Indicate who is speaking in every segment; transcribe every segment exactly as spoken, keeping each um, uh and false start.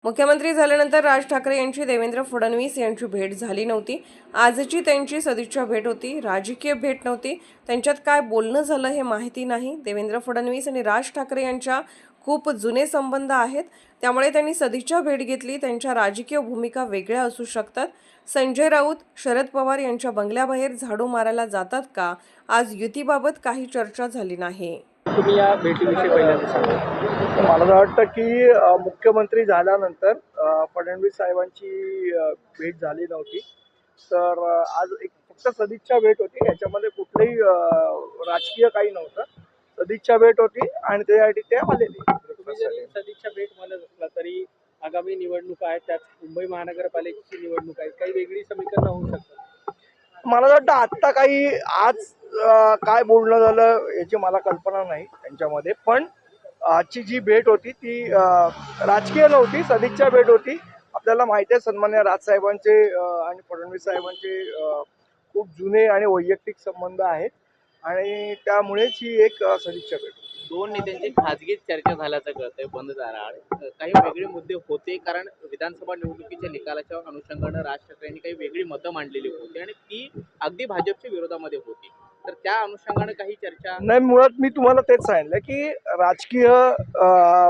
Speaker 1: मुख्यमंत्री झाल्यानंतर राज ठाकरे यांची देवेंद्र फडणवीस यांची भेट झाली नव्हती. आजची त्यांची सदिच्छा भेट होती, राजकीय भेट नव्हती. त्यांच्यात काय बोलणं झालं हे माहिती नाही. देवेंद्र फडणवीस आणि राज ठाकरे यांच्या खूप जुने संबंध आहेत, त्यामुळे त्यांनी सदिच्छा भेट घेतली. त्यांच्या राजकीय भूमिका वेगळ्या असू शकतात. संजय राऊत शरद पवार यांच्या बंगल्याबाहेर झाडू मारायला जातात का? आज युतीबाबत काही चर्चा झाली नाही.
Speaker 2: तुम्ही या भेटीविषयी पहिल्यांदा सांगा.
Speaker 3: मला असं वाटतं की अ, मुख्यमंत्री झाल्यानंतर अ, फडणवीस साहेबांची अ, भेट झाली नव्हती. तर अ, आज एक फक्त सदिच्छा भेट होती. याच्यामध्ये कुठलंही अ, राजकीय काही नव्हतं. सदिच्छा भेट होती आणि त्यासाठी ते आलेले.
Speaker 2: तुम्ही जरी सदिच्छा भेट म्हणत असला तरी आगामी निवडणूक आहेत, त्यात मुंबई महानगरपालिकेची निवडणूक आहे, काही वेगळी समीकरणं होऊ शकतात.
Speaker 3: मला असं वाटतं आत्ता काही आज अ, काय बोलणं झालं याची मला कल्पना नाही त्यांच्यामध्ये. पण आजची जी भेट होती ती अ, राजकीय नव्हती, सदिच्छा भेट होती. आपल्याला माहिती आहे सन्मान्य राजसाहेबांचे अ, आणि फडणवीस साहेबांचे अ, खूप जुने आणि वैयक्तिक संबंध आहेत आणि त्यामुळेच ही एक अ, सदिच्छा भेट होती.
Speaker 4: दोन नेत्यांची खाजगी चर्चा झाल्याचं कळतंय बंद दाराआड. काही वेगळे मुद्दे होते, कारण विधानसभा निवडणुकीच्या निकालाच्या अनुषंगानं राज ठाकरेंनी काही वेगळी मतं मांडलेली होती आणि ती अगदी भाजपच्या विरोधामध्ये होती. तर त्या अनुषंगानं काही चर्चा
Speaker 3: नाही, मुळात मी तुम्हाला तेच सांगितलं की राजकीय अ,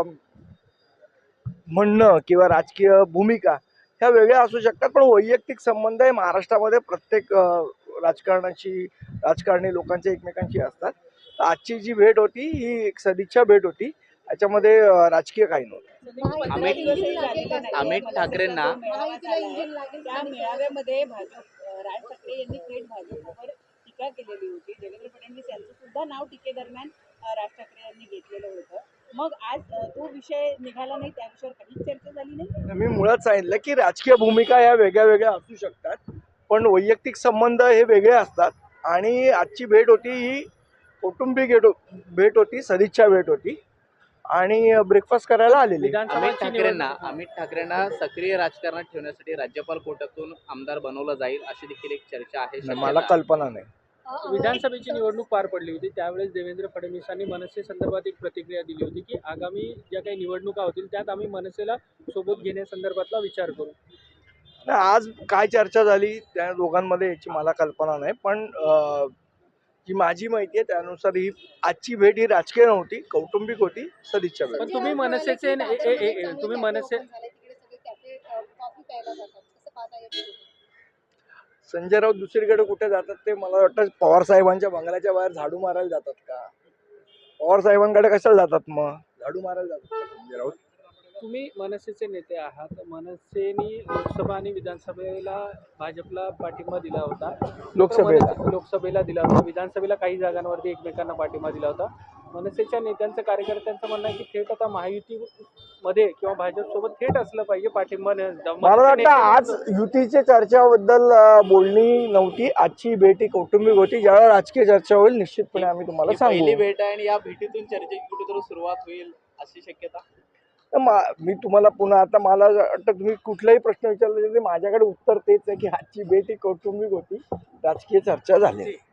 Speaker 3: म्हणणं किंवा राजकीय भूमिका ह्या वेगळ्या असू शकतात, पण वैयक्तिक संबंध हे महाराष्ट्रामध्ये प्रत्येक अ, राजकारणाची राजकारणी लोकांचे एकमेकांशी असतात. तर आजची जी भेट होती ही एक सदिच्छा भेट होती. याच्यामध्ये अ, राजकीय काही नव्हतं.
Speaker 4: अमित अमित ठाकरेंना
Speaker 5: त्या मेळाव्यामध्ये भाजप राज ठाकरे यांनी थेट भाजपवर टीका केलेली होती. देवेंद्र फडणवीस यांचं सुद्धा नाव टीकेदरम्यान राज ठाकरे यांनी घेतलेलं होतं. मग आज तो विषय निघाला नाही, त्या विषयावर काहीच चर्चा झाली नाही.
Speaker 3: मी मुळात सांगितलं की राजकीय भूमिका या वेगळ्या वेगळ्या असू शकतात, पण वैयक्तिक संबंध हे वेगळे असतात. आणि आजची भेट होती ही कौटुंबिक भेट होती, सदिच्छा भेट होती आणि ब्रेकफास्ट करायला आलेली.
Speaker 4: अमित ठाकरेंना अमित ठाकरेंना सक्रिय राजकारणात ठेवण्यासाठी राज्यपाल कोटातून आमदार बनवलं जाईल अशी देखील एक चर्चा आहे.
Speaker 3: मला कल्पना नाही.
Speaker 2: विधानसभेची निवडणूक पार पडली होती, त्यावेळेस देवेंद्र फडणवीसांनी मनसे संदर्भात एक प्रतिक्रिया दिली होती की आगामी ज्या काही निवडणुका होतील त्यात आम्ही मनसेला सोबत घेण्यासंदर्भातला विचार करू.
Speaker 3: आज काय चर्चा झाली त्या दोघांमध्ये याची मला कल्पना नाही, पण अ, जी माझी माहिती आहे त्यानुसार ही आजची भेट ही राजकीय नव्हती, कौटुंबिक होती, सदिच्छा भेट.
Speaker 2: पण तुम्ही मनसेचे ए- ए- ए- तुम्ही मनसे
Speaker 3: संजय राऊत दुसरीकडे कुठे जातात ते मला वाटतं पवार साहेबांच्या बंगल्याच्या बाहेर झाडू मारायला जातात का? पवार साहेबांकडे कशाला जातात, मग झाडू मारायला जातात का संजय राऊत?
Speaker 2: तुम्ही मनसेचे नेते आहात. मनसेने लोकसभा आणि विधानसभेला भाजपला पाठिंबा दिला होता.
Speaker 3: लोकसभेला
Speaker 2: मनसे- लोकसभेला दिला होता, विधानसभेला काही जागांवरती एकमेकांना पाठिंबा दिला होता. मनसेच्या नेत्यांचं कार्यकर्त्यांचं म्हणणं आहे की थेट आता महायुतीमध्ये किंवा भाजप सोबत थेट असलं पाहिजे पाठिंबा.
Speaker 3: मला वाटतं आज युतीच्या चर्चाबद्दल अ, बोलणी नव्हती. आजची भेट ही कौटुंबिक होती. ज्यावेळेला राजकीय चर्चा होईल निश्चितपणे आम्ही तुम्हाला
Speaker 4: ही पहिली
Speaker 3: सांगू.
Speaker 4: भेट आहे आणि या भेटीतून चर्चेची कुठेतरी सुरुवात होईल अशी शक्यता.
Speaker 3: तर मा- मी तुम्हाला पुन्हा आता मला वाटतं तुम्ही कुठलाही प्रश्न विचारला तरी माझ्याकडे उत्तर तेच आहे की आजची भेट ही कौटुंबिक होती, राजकीय चर्चा झाली.